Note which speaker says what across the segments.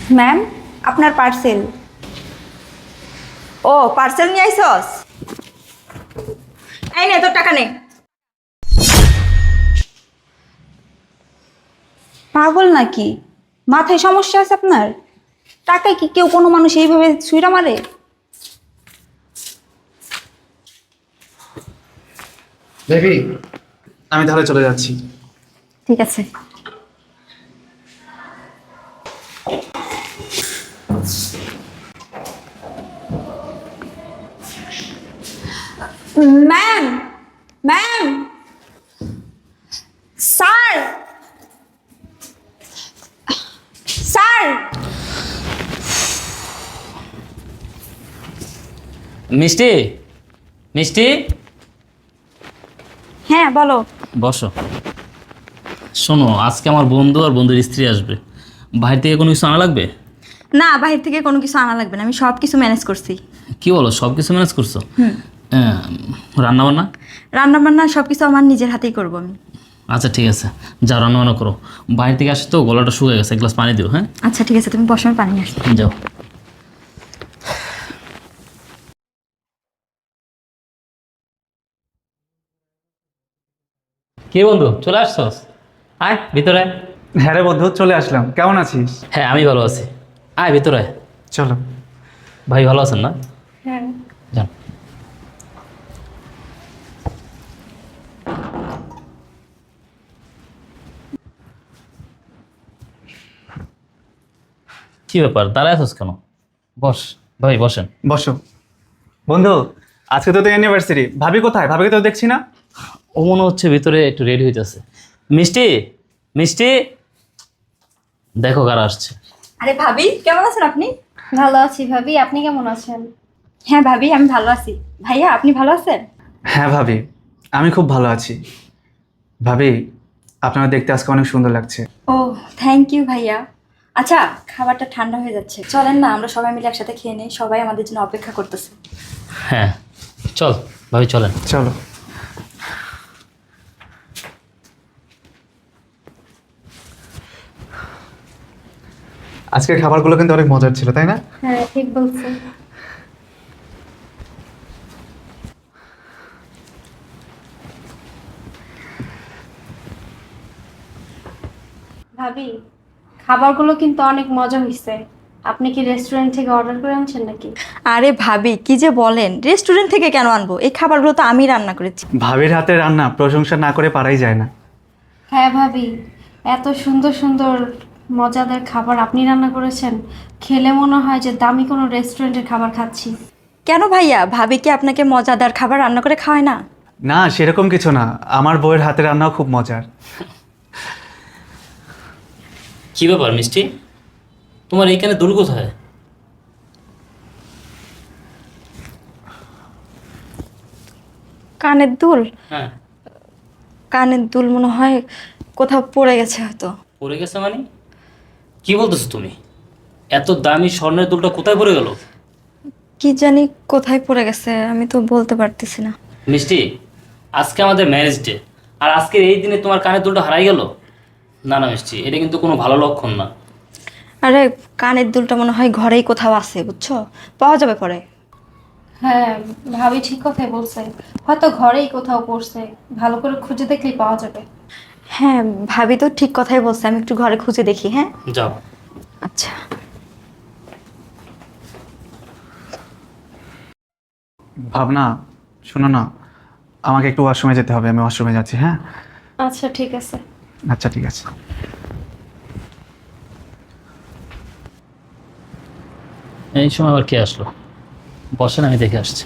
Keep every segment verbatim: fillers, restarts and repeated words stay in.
Speaker 1: Ma'am, আপনার parcel. ও, parcel নিয়ে আইসস? এই নে, তোর টাকা নে। পাগল নাকি? মাথায় সমস্যা আছে আপনার? টাকায় কি কেউ কোনো মানুষ এইভাবে ছুঁড়া মারে?
Speaker 2: বেবি, আমি তাহলে চলে যাচ্ছি।
Speaker 1: ঠিক আছে। Ma'am, ma'am, sir, sir.
Speaker 3: মিষ্টি, মিষ্টি,
Speaker 1: হ্যাঁ বলো।
Speaker 3: বসো। শোনো, আজকে আমার বন্ধু আর বন্ধুর স্ত্রী আসবে। বাইরে থেকে কোনো কিছু আনা লাগবে?
Speaker 1: না, বাইরে থেকে কোনো কিছু আনা লাগবে না, আমি সব কিছু ম্যানেজ করছি।
Speaker 3: কি বলো, সব কিছু ম্যানেজ করছো? রান্না বান্না?
Speaker 1: রান্না বান্না সব কিছু আমার নিজের হাতেই করবো আমি।
Speaker 3: আচ্ছা ঠিক আছে, যাও রান্না বান্না করো। বাইরে থেকে আসে তো গলাটা শুকিয়ে গেছে, এক গ্লাস পানি দিও। হ্যাঁ
Speaker 1: আচ্ছা ঠিক আছে, তুমি বসো, আমি পানি নিয়ে আসছি।
Speaker 3: যাও। কে বন্ধু, চলে আসছস? আয় ভিতরে আয়।
Speaker 2: হ্যাঁ রে বন্ধু, চলে আসলাম। কেমন আছিস?
Speaker 3: হ্যাঁ আমি ভালো আছি, আয় ভিতরে আয়।
Speaker 2: চলো।
Speaker 3: ভাই ভালো আছেন না?
Speaker 1: হ্যাঁ।
Speaker 3: যান। কি ব্যাপার, দাঁড়ায় আছিস কেন? বস ভাই, বসেন।
Speaker 2: বসো। বন্ধু, আজকে তো তোর অ্যানিভার্সারি। ভাবি কোথায়? ভাবিকে তো দেখছি না।
Speaker 3: ও মনে হচ্ছে ভিতরে একটু রেডি হইতেছে। মিষ্টি, মিষ্টি, দেখো কারা আসছে।
Speaker 1: আরে ভাবি, কেমন আছেন আপনি?
Speaker 4: ভালো আছি ভাবি, আপনি কেমন আছেন?
Speaker 1: হ্যাঁ ভাবি, আমি ভালো আছি। ভাইয়া, আপনি ভালো আছেন?
Speaker 2: হ্যাঁ ভাবি, আমি খুব ভালো আছি। ভাবি, আপনারা দেখতে আজকে অনেক সুন্দর লাগছে।
Speaker 1: ও, থ্যাংক ইউ ভাইয়া। আচ্ছা, খাবারটা ঠান্ডা হয়ে যাচ্ছে, চলেন না আমরা সবাই মিলে একসাথে খেয়ে নেই, সবাই আমাদের জন্য অপেক্ষা করতেছে।
Speaker 3: হ্যাঁ চল ভাবি, চলেন।
Speaker 2: চলো। আজকের খাবারগুলো কিন্তু অনেক মজার ছিল, তাই না?
Speaker 4: হ্যাঁ ঠিক বলছেন। ভাবি, খাবারগুলো কিন্তু অনেক মজা হয়েছে। আপনি কি রেস্টুরেন্ট থেকে অর্ডার করে আনছেন নাকি?
Speaker 1: আরে ভাবি, কি যে বলেন, রেস্টুরেন্ট থেকে কেন আনবো? এই খাবারগুলো তো আমি রান্না করেছি।
Speaker 2: ভাবির হাতে রান্না প্রশংসা না করে পারাই যায় না।
Speaker 4: হ্যাঁ ভাবি, এত সুন্দর সুন্দর মজাদার খাবার আপনি রান্না করেছেন, খেলে মনে হয় যে দামি কোনো রেস্টুরেন্টের খাবার খাচ্ছি।
Speaker 1: কেন ভাইয়া, ভাবি কি আপনাকে মজাদার খাবার রান্না করে খাওয়ায় না?
Speaker 2: না, সেরকম কিছু না। আমার বউয়ের হাতে রান্নাও খুব মজার।
Speaker 3: কি ব্যাপার মিষ্টি, তোমার এইখানে দূর কোথায়?
Speaker 1: কানের দুল?
Speaker 3: হ্যাঁ।
Speaker 1: কানের দুল মনে হয় কোথাও পড়ে গেছে হয়তো।
Speaker 3: পড়ে গেছে মানে? কি বলতেছো তুমি? এত দামি স্বর্ণের দুলটা কোথায় পড়ে গেল?
Speaker 1: কি জানি কোথায় পড়ে গেছে, আমি তো বলতে পারতেছি না।
Speaker 3: মিষ্টি, আজকে আমাদের ম্যারেজ ডে, আর আজকের এই দিনে তোমার কানের দুলটা হারাই গেল? না না মিষ্টি, এটা কিন্তু কোনো ভালো লক্ষণ না।
Speaker 1: আরে, কানের দুলটা মনে হয় ঘরেই কোথাও আছে, বুঝছো? পাওয়া যাবে পরে।
Speaker 4: হ্যাঁ ভাবি ঠিক কথাই বলছে, হয়তো ঘরেই কোথাও পড়ছে, ভালো করে খুঁজে দেখলেই পাওয়া যাবে।
Speaker 1: হ্যাঁ, ভাবি তো ঠিক কথাই বলছে, আমি একটু ঘরে খুঁজে দেখি। হ্যাঁ
Speaker 3: যাও।
Speaker 1: আচ্ছা।
Speaker 2: ভাবনা, শোনো না, আমাকে একটু ওয়াশরুমে যেতে হবে। আমি ওয়াশরুমে যাচ্ছি। হ্যাঁ
Speaker 4: আচ্ছা ঠিক আছে।
Speaker 2: আচ্ছা ঠিক আছে।
Speaker 3: এই সময় আবার কে আসলো? বসেন, আমি দেখে আসছি।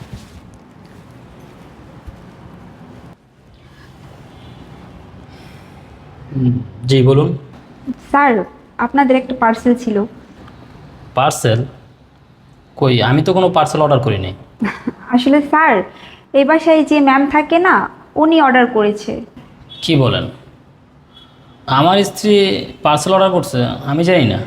Speaker 3: হুম, জি বলুন।
Speaker 1: স্যার, আপনাদের একটা পার্সেল ছিল।
Speaker 3: পার্সেল? কই, আমি তো কোনো পার্সেল অর্ডার করিনি।
Speaker 1: আসলে স্যার, এই বাসায় যে ম্যাম থাকে না, উনি অর্ডার করেছে।
Speaker 3: কি বলেন? আমার স্ত্রী পার্সেল অর্ডার করছে? আমি জানি না।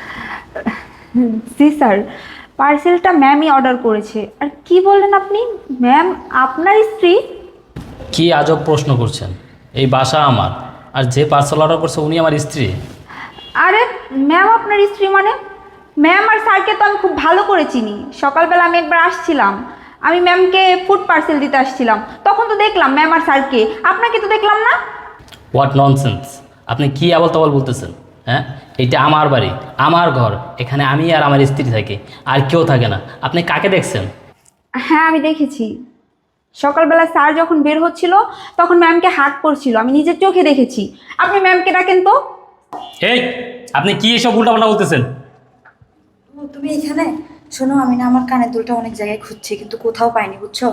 Speaker 1: জি স্যার, পার্সেলটা ম্যামই অর্ডার করেছে। আর কি বললেন আপনি, ম্যাম আপনার স্ত্রী?
Speaker 3: কি আজব প্রশ্ন করছেন! এই বাসা আমার, আর যে পার্সেল অর্ডার করছে উনি আমার স্ত্রী।
Speaker 1: আরে, ম্যাম আপনার স্ত্রী মানে? ম্যাম আর স্যারকে তো আমি খুব ভালো করে চিনি। সকালবেলা আমি একবার আসছিলাম, আমি ম্যামকে ফুড পার্সেল দিতে আসছিলাম, তখন তো দেখলাম ম্যাম আর স্যারকে, আপনাকে তো দেখলাম না।
Speaker 3: What nonsense! আপনি কি আবল তাবল বলতেছেন? হ্যাঁ, এটা আমার বাড়ি, আমার ঘর, এখানে আমি আর আমার স্ত্রী থাকে, আর কেউ থাকে না। আপনি কাকে দেখছেন?
Speaker 1: হ্যাঁ আমি দেখেছি, সকালবেলা স্যার যখন বের হচ্ছিল তখন ম্যামকে হাক করছিল, আমি নিজের চোখে দেখেছি। আপনি ম্যামকে ডাকেন তো।
Speaker 3: এই, আপনি কি এসব উল্টাপাল্টা বলতেছেন?
Speaker 1: তুমি এখানে শোনো, আমি না আমার কানের দুলটা অনেক জায়গায় খুঁজছি কিন্তু কোথাও পাইনি, বুঝছো?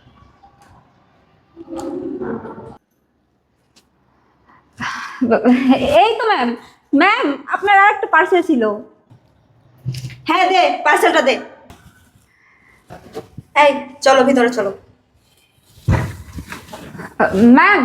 Speaker 1: এই তো ম্যাম, ম্যাম আপনার আর একটা পার্সেল ছিল। হ্যাঁ দে, পার্সেলটা দে। এই চলো ভিতরে চলো। ম্যাম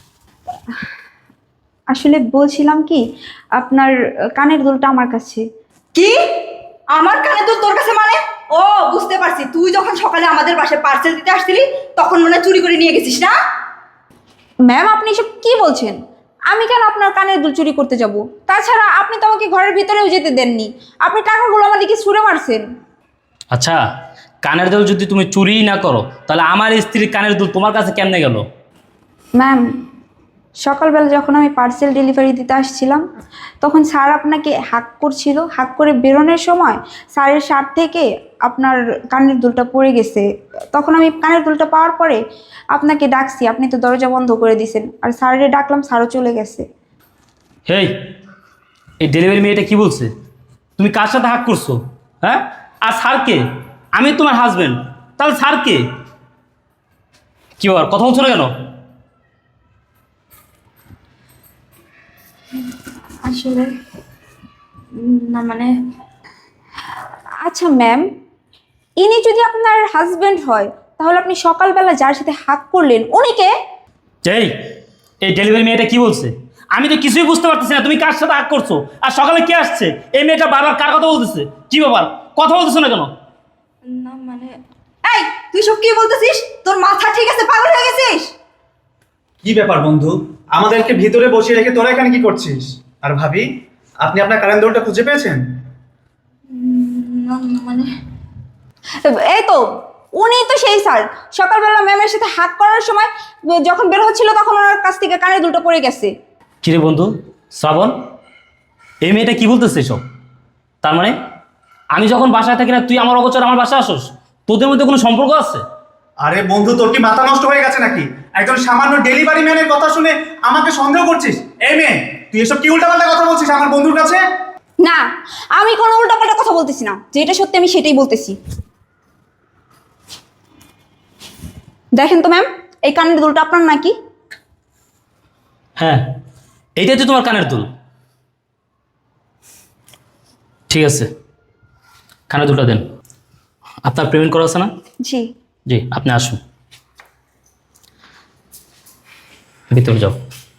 Speaker 1: আসলে বলছিলাম কি, আপনার কানের দুলটা আমার কাছে।
Speaker 5: কি? আমার কানে দুল তোর কাছে মানে? ও বুঝতে পারছি, তুই যখন সকালে আমাদের বাসায় পার্সেল দিতে আসছিলি তখন মনে হয় চুরি করে নিয়ে গেছিস না?
Speaker 1: ম্যাম আপনি এসব কি বলছেন? আমি কেন আপনার কানের দুল চুরি করতে যাব? তাছাড়া আপনি তো আমাকে ঘরের ভিতরেও যেতে দেননি, আপনি টাকাগুলো আমার দিকে ছুঁড়ে মারছেন।
Speaker 3: আচ্ছা, কানের দুল যদি তুমি চুরিই না করো তাহলে আমার স্ত্রীর কানের দুল তোমার কাছে কেমনে গেল?
Speaker 1: ম্যাম সকালবেলা যখন আমি পার্সেল ডেলিভারি দিতে আসছিলাম তখন স্যার আপনাকে হাক করছিল, হাক করে বেরোনোর সময় স্যারের শার্ট থেকে আপনার কানের দুলটা পড়ে গেছে। তখন আমি কানের দুলটা পাওয়ার পরে আপনাকে ডাকছি, আপনি তো দরজা বন্ধ করে দিয়েছেন, আর স্যারের ডাকলাম, স্যারও চলে গেছে।
Speaker 3: হেই, এই ডেলিভারি মেয়েটা কি বলছে? তুমি কার সাথে হাক করছো? হ্যাঁ, আর স্যারকে? আমি তোমার হাজবেন্ড, তাহলে স্যারকে? কি ব্যাপার, কথা বলছো না কেন?
Speaker 1: আসলে না মানে, আচ্ছা ম্যাম, ইনি যদি আপনার হাজবেন্ড হয় তাহলে আপনি সকালবেলা যার সাথে হাক করলেন উনি কে?
Speaker 3: এই এই ডেলিভারি মেয়েটা কি বলছে? আমি তো কিছুই বুঝতে পারতেছি না, তুমি কার সাথে হাক করছো আর সকালে কে আসছে? এই মেয়েটা বারবার কার কথা বলতেছে? কি ব্যাপার, কথা বলতেছো না কেন?
Speaker 1: না মানে,
Speaker 5: এই তুই সব কি বলতেছিস? তোর মাথা ঠিক আছে? পাগল হয়ে গেছিস?
Speaker 2: কি ব্যাপার বন্ধু, আমাদেরকে ভিতরে বসিয়ে রেখে তোরা এখানে কি করছিস? আর ভাবি, আপনি আপনার কারেন্ট দুলটা খুঁজে পেয়েছেন?
Speaker 1: না মানে, এই তো উনি তো সেই স্যার, সকালবেলা ম্যামের সাথে হাক করার সময় যখন বের হচ্ছিল তখন ওনার কাছ থেকে কানের দুলটা পড়ে গেছে।
Speaker 3: কিরে বন্ধু শ্রাবণ, এই মেয়েটা কি বলতেছে সব? তার মানে আমি যখন বাসায় থাকি না তুই আমার অগোচর আমার বাসায় আসোস? তোদের মধ্যে কোনো সম্পর্ক আছে?
Speaker 2: আরে বন্ধু, তোর কি মাথা নষ্ট হয়ে গেছে নাকি? একজন সামান্য ডেলিভারি ম্যানের কথা শুনে আমাকে সন্দেহ করছিস? এই মেয়ে, তুই এসব কি উল্টাপাল্টা কথা বলছিস আমার বন্ধুর কাছে?
Speaker 1: না, আমি কোনো উল্টাপাল্টা কথা বলতেছি না, যেটা সত্যি আমি সেটাই বলতেছি। দেখেন তো ম্যাম, এই কানের দুলটা আপনার নাকি?
Speaker 3: হ্যাঁ, এইটাই তো তোমার কানের দুল। ঠিক আছে, কানের দুলটা দেন। আপনার পেমেন্ট করা আছে না?
Speaker 1: জি।
Speaker 3: জি, আপনি আসুন, ভিতরে যাও।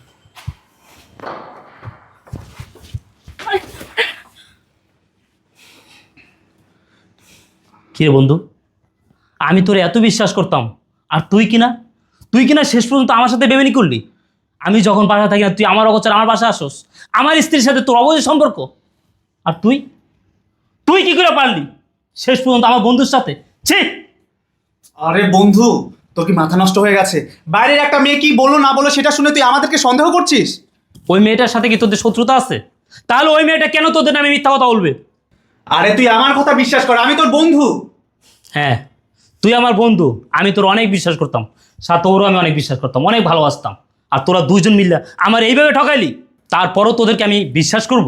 Speaker 3: কি রে বন্ধু, আমি তোর এত বিশ্বাস করতাম আর তুই কিনা তুই কিনা শেষ পর্যন্ত আমার সাথে বেমেনি করলি। আমি যখন বাসা থাকি না তুই আমার অগোচর আমার বাসা আসোস, আমার স্ত্রীর সাথে তোর অবৈধ সম্পর্ক। আর তুই তুই কি করে পারলি শেষ পর্যন্ত আমার বন্ধুর সাথে? ছি!
Speaker 2: আরে বন্ধু, তোর কি মাথা নষ্ট হয়ে গেছে? বাইরের একটা মেয়ে কি বললো না বলো সেটা শুনে তুই আমাদেরকে সন্দেহ করছিস?
Speaker 3: ওই মেয়েটার সাথে কি তোদের শত্রুতা আছে? তাহলে ওই মেয়েটা কেন তোদের নামে মিথ্যা কথা বলবে?
Speaker 2: আরে তুই আমার কথা বিশ্বাস কর, আমি তোর বন্ধু।
Speaker 3: হ্যাঁ, তুই আমার বন্ধু, আমি তোর অনেক বিশ্বাস করতাম, সাথে ওরও আমি অনেক বিশ্বাস করতাম, অনেক ভালোবাসতাম। আর তোরা দুইজন মিললে আমার এইভাবে ঠকাইলি, তারপরও তোদেরকে আমি বিশ্বাস করব?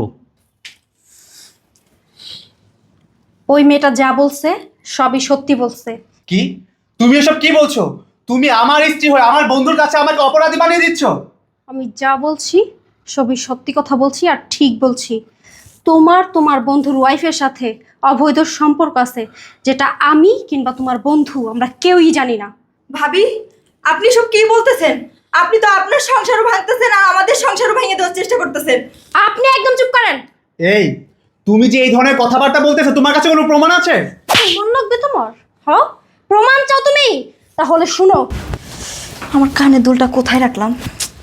Speaker 4: ওই মেয়েটা যা বলছে সবই সত্যি বলছে।
Speaker 2: কি? তুমি এসব কি বলছো? তুমি আমার স্ত্রী হয়ে আমার বন্ধুর কাছে আমাকে অপরাধী বানিয়ে দিচ্ছ?
Speaker 4: আমি যা বলছি সবই সত্যি কথা বলছি আর ঠিক বলছি। তোমার তোমার বন্ধুর ওয়াইফের সাথে অবৈধ সম্পর্ক আছে, যেটা আমি কিংবা তোমার বন্ধু আমরা কেউই জানি না।
Speaker 5: ভাবি, আপনি সব কি বলতেছেন? আপনি তো আপনার সংসারও ভাঙতেছেন আর আমাদের সংসারও ভেঙে দেওয়ার চেষ্টা করতেছেন।
Speaker 4: আপনি একদম চুপ করেন।
Speaker 2: এই, তুমি যে এই ধরনের কথাবার্তা বলতেছো, তোমার কাছে কোনো প্রমাণ আছে?
Speaker 4: প্রমাণ লাগবে তোমার? হ্যাঁ, প্রমাণ চাও তুমি? তাহলে শুনো।
Speaker 1: আমার কানের দুলটা কোথায় রাখলাম?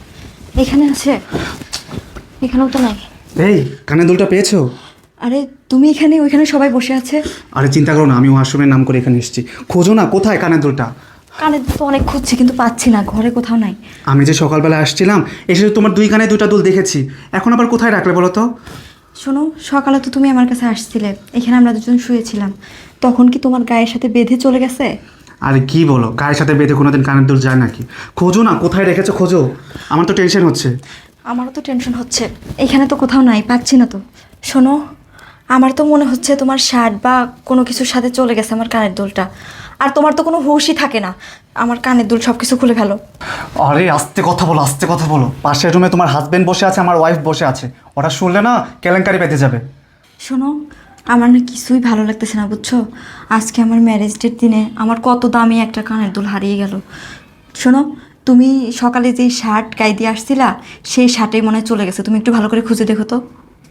Speaker 1: এখানে আছে? এখানেও তো নাই।
Speaker 2: এই, কানে দুলটা পেয়েছো?
Speaker 1: আরে
Speaker 5: তুমি এখানে, ওইখানে সবাই বসে আছে।
Speaker 2: আরে চিন্তা করো না, আমি ওয়াশরুমের নাম করে এখানে এসেছি। খোঁজো না, কোথায় কানের দুলটা?
Speaker 5: কানে দুল তো অনেক খুঁজছি কিন্তু পাচ্ছি না, ঘরে কোথাও নাই।
Speaker 2: আমি যে সকালবেলা আসছিলাম, এসে তোমার দুই কানে দুটা দুল দেখেছি, এখন আবার কোথায় রাখলে বলো তো?
Speaker 5: শোনো, সকালে তো তুমি আমার কাছে আসছিলে, এখানে আমরা দুজন শুয়েছিলাম, তখন কি তোমার গায়ের সাথে বেঁধে চলে গেছে?
Speaker 2: আরে কি বলো, গায়ের সাথে বেঁধে কোনোদিন কানের দুল যায় নাকি? খোঁজো না, কোথায় রেখেছো খোঁজো, আমার তো টেনশন হচ্ছে।
Speaker 5: আমারও তো টেনশন হচ্ছে, এখানে তো কোথাও নাই, পাচ্ছি না তো। শোনো, আমার তো মনে হচ্ছে তোমার শার্ট বা কোনো কিছুর সাথে চলে গেছে আমার কানের দুলটা। আর তোমার তো কোনো হুঁশই থাকে না, আমার কানের দুল সব কিছু খুলে ফেলো।
Speaker 2: আরে আস্তে কথা বলো, আস্তে কথা বলো। পাশের রুমে তোমার হাজবেন্ড বসে আছে, আমার ওয়াইফ বসে আছে, ওরা শুনলে না কেলেঙ্কারি পেতে যাবে।
Speaker 5: শোনো, আমার না কিছুই ভালো লাগতেছে না, বুঝছো? আজকে আমার ম্যারেজ ডের দিনে আমার কত দামি একটা কানের দুল হারিয়ে গেল। শোনো, তুমি সকালে যে শার্ট গায়ে দিয়ে আসছিলা, সেই শার্টেই মনে হয় চলে গেছে, তুমি একটু ভালো করে খুঁজে দেখো তো।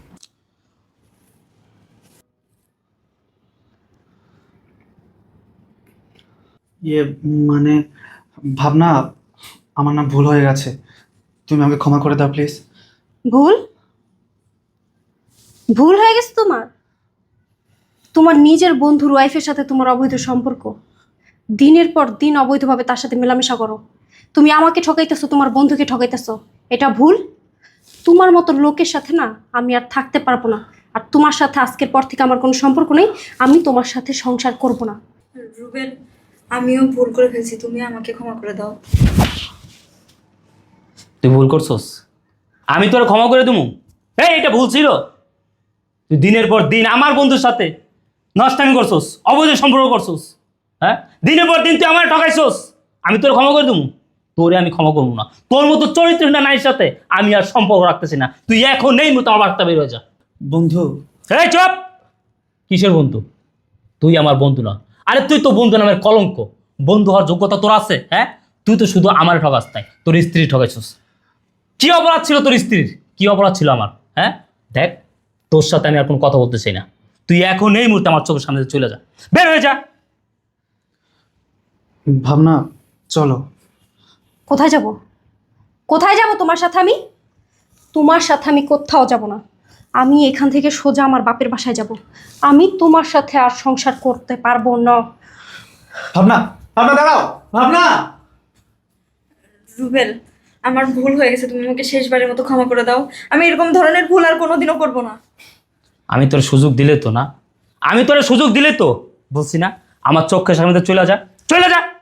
Speaker 2: ইয়ে মানে ভাবনা, আমার না ভুল হয়ে গেছে, তুমি আমাকে ক্ষমা করে দাও প্লিজ।
Speaker 4: ভুল ভুল হয়ে গেছে তোমার? তোমার নিজের বন্ধুর ওয়াইফের সাথে তোমার অবৈধ সম্পর্ক, দিনের পর দিন অবৈধভাবে তার সাথে মেলামেশা করো। তুমি আমাকে ঠকাইতেছো, তোমার বন্ধুকে ঠকাইতেছো, এটা ভুল। তোমার মতো লোকের সাথে না আমি আর থাকতে পারবো না। আর তোমার সাথে আজকের পর থেকে আমার কোনো সম্পর্ক নেই, আমি তোমার সাথে সংসার করব না।
Speaker 5: রুবেল, আমিও ভুল করে ফেলছি, তুমি আমাকে ক্ষমা করে দাও।
Speaker 3: তুই ভুল করছস, আমি তোর ক্ষমা করে দেবো? এই এটা ভুল ছিল। তুই দিনের পর দিন আমার বন্ধুর সাথে নষ্টামি করছস, অবৈধ সম্পর্ক করছস। হ্যাঁ, দিনের পর দিন তুই আমার ঠকাইছস, আমি তোর ক্ষমা করে দেবো? তোরে আমি ক্ষমা করবো না। তোর মতো চরিত্রহীন নারীর সাথে আমি আর সম্পর্ক রাখতেছি না। তুই এখন নেই মতো আমার বার্তা বের হয়ে যা।
Speaker 2: বন্ধু,
Speaker 3: এই চুপ! কিসের বন্ধু? তুই আমার বন্ধু না। আরে তুই তো বন্ধু নামের কলঙ্ক। বন্ধু হওয়ার যোগ্যতা তোর আছে? হ্যাঁ, তুই তো শুধু আমার ঠকাস নাই, তোর স্ত্রী ঠকাইছস। কি অপরাধ ছিল তোর স্ত্রীর? কি অপরাধ ছিল আমার? হ্যাঁ দেখ, তোর সাথে আমি আর কোনো কথা বলতে চাই না। তুই এখন এই মুহূর্তে আমার চোখের সামনে থেকে চলে যা, বের হয়ে যা।
Speaker 2: ভাবনা চলো।
Speaker 4: কোথায় যাব? কোথায় যাব তোমার সাথে? আমি তোমার সাথে আমি কোথাও যাব না। আমি এখান থেকে সোজা আমার বাপের বাসায় যাব। আমি তোমার সাথে আর সংসার করতে পারবো না।
Speaker 2: ভাবনা, ভাবনা দাঁড়াও, ভাবনা।
Speaker 5: রুবেল, আমার ভুল হয়ে গেছে, তুমি আমাকে শেষবারের মতো ক্ষমা করে দাও। আমি এরকম ধরনের ভুল আর কোনোদিনও করবো না।
Speaker 3: আমি তোর সুযোগ দিলে তো না, আমি তোর সুযোগ দিলে তো বলছি না, আমার চোখের সামনে থেকে চলে যা, চলে যা।